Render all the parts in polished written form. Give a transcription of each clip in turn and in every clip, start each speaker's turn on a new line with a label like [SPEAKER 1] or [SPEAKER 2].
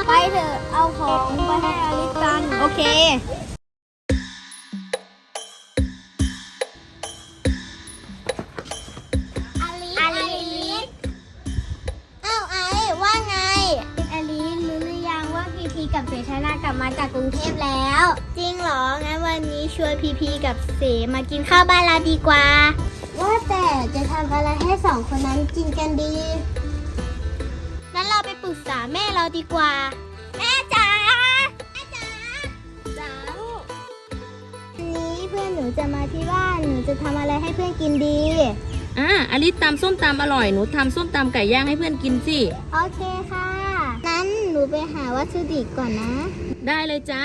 [SPEAKER 1] ไปเถอะเอาของไปให้อลิสกัน
[SPEAKER 2] โอเค
[SPEAKER 1] อลิสอ้าวไอ้ว่าไงอลิสรู้หรือยังว่าพีพีกับเสชนากลับมาจากกรุงเทพแล้วจริงเหรองั้นวันนี้ชวนพีพีกับเสมากินข้าวบ้านเราดีกว่าว่าแต่จะทำอะไรให้สองคนนั้นกินกันดีงั้นเราไปปรึกษาแม่เราดีกว่าแม่จ๋าจ๋าวันนี้เพื่อนหนูจะมาที่บ้านหนูจะทำอะไรให้เพื่อนกินดี
[SPEAKER 2] อลิสตำส้มตำอร่อยหนูทำส้มตำไก่ย่างให้เพื่อนกินสิ
[SPEAKER 1] โอเคค่ะนั้นหนูไปหาวัตถุดิบก่อนนะ
[SPEAKER 2] ได้เลยจ้า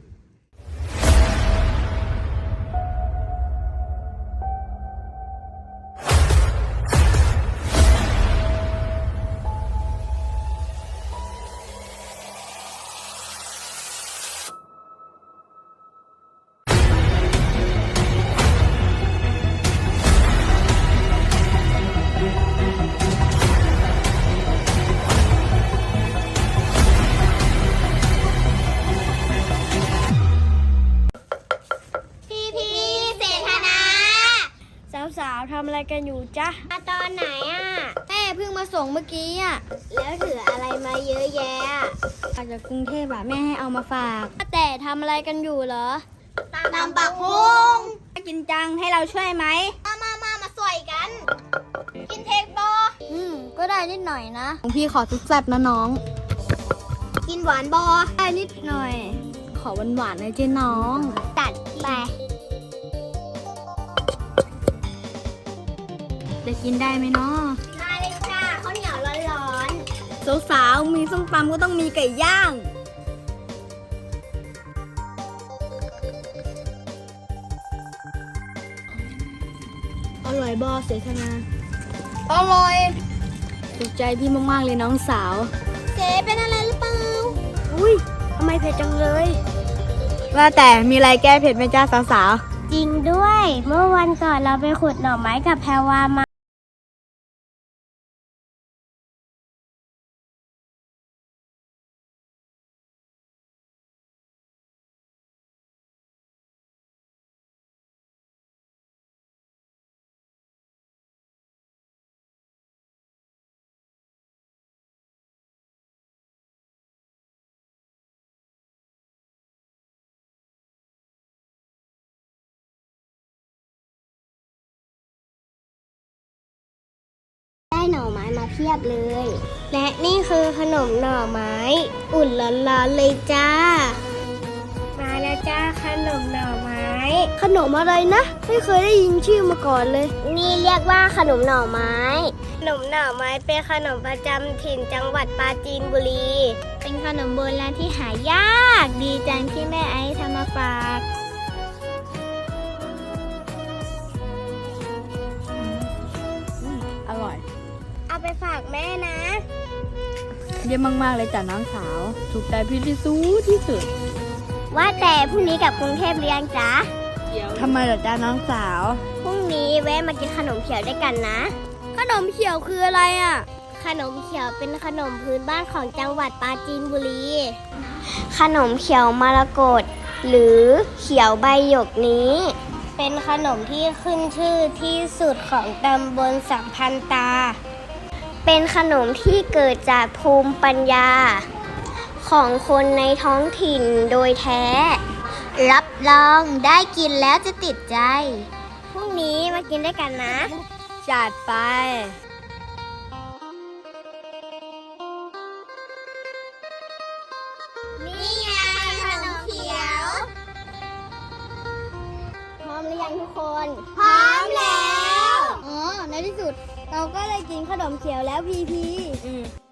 [SPEAKER 1] สาวๆทำอะไรกันอยู่จ๊ะมาตอนไหนอ่ะแม่เพิ่งมาส่งเมื่อกี้อ่ะแล้วถืออะไรมาเยอะแยะมาจากกรุงเทพอ่ะแม่ให้เอามาฝากแต่ทำอะไรกันอยู่เหรอตำบักหุ่งกินจังให้เราช่วยไหมมาสวยกันกินเทคโบก็ได้นิดหน่อยนะของพี่ขอซุปแซ่บนะน้องกินหวานบอได้นิดหน่อยขอหวานๆเลยเจ้น้องจัดไปจะกินได้ไหมเนาะได้เลยจ้าข้าวเหนียวร้อนๆสาวๆมีส้มตำก็ต้องมีไก่ย่างอร่อยบอเสธนาอร่อยถูกใจพี่มากๆเลยน้องสาวเจ๊เป็นอะไรหรือเปล่าอุ้ยทำไมเผ็ดจังเลยว่าแต่มีอะไรแก้เผ็ดไหมจ้าสาวๆจริงด้วยเมื่อวันก่อนเราไปขุดหน่อไม้กับแพรวามาได้หน่อไม้มาเพียบเลยและนี่คือขนมหน่อไม้อุ่นร้อนๆเลยจ้ามาแล้วจ้าขนมหน่อไม้ขนมอะไรนะไม่เคยได้ยินชื่อมาก่อนเลยนี่เรียกว่าขนมหน่อไม้ขนมหน่อไม้เป็นขนมประจำถิ่นจังหวัดปราจีนบุรีเป็นขนมโบราณที่หายากดีจังที่แม่ไอซ์ทำมาฝาก
[SPEAKER 2] อร่อย
[SPEAKER 1] เอาไปฝากแม่นะ
[SPEAKER 2] เยี่ยมมากๆเลยจ้ะน้องสาวถูกใจพี่ที่สุด
[SPEAKER 1] ว่าแต่พรุ่งนี้กลับกรุงเทพหรือยังจ๊ะ
[SPEAKER 2] ทำไมเหรอจ้าน้องสาว
[SPEAKER 1] พรุ่งนี้แวะมากินขนมเขียวด้วยกันนะขนมเขียวคืออะไรอ่ะขนมเขียวเป็นขนมพื้นบ้านของจังหวัดปราจีนบุรีขนมเขียวมรกตหรือเขียวใบหยกนี้เป็นขนมที่ขึ้นชื่อที่สุดของตำบลสัมพันตาเป็นขนมที่เกิดจากภูมิปัญญาของคนในท้องถิ่นโดยแท้รับรองได้กินแล้วจะติดใจพรุ่งนี้มากินด้วยกันนะ
[SPEAKER 2] จัดไป
[SPEAKER 1] นี่ไงขนมเขียวพร้อมหรือยังทุกคนพร้อมแล้วในที่สุดเราก็เลยกินขนมเขียวแล้วพี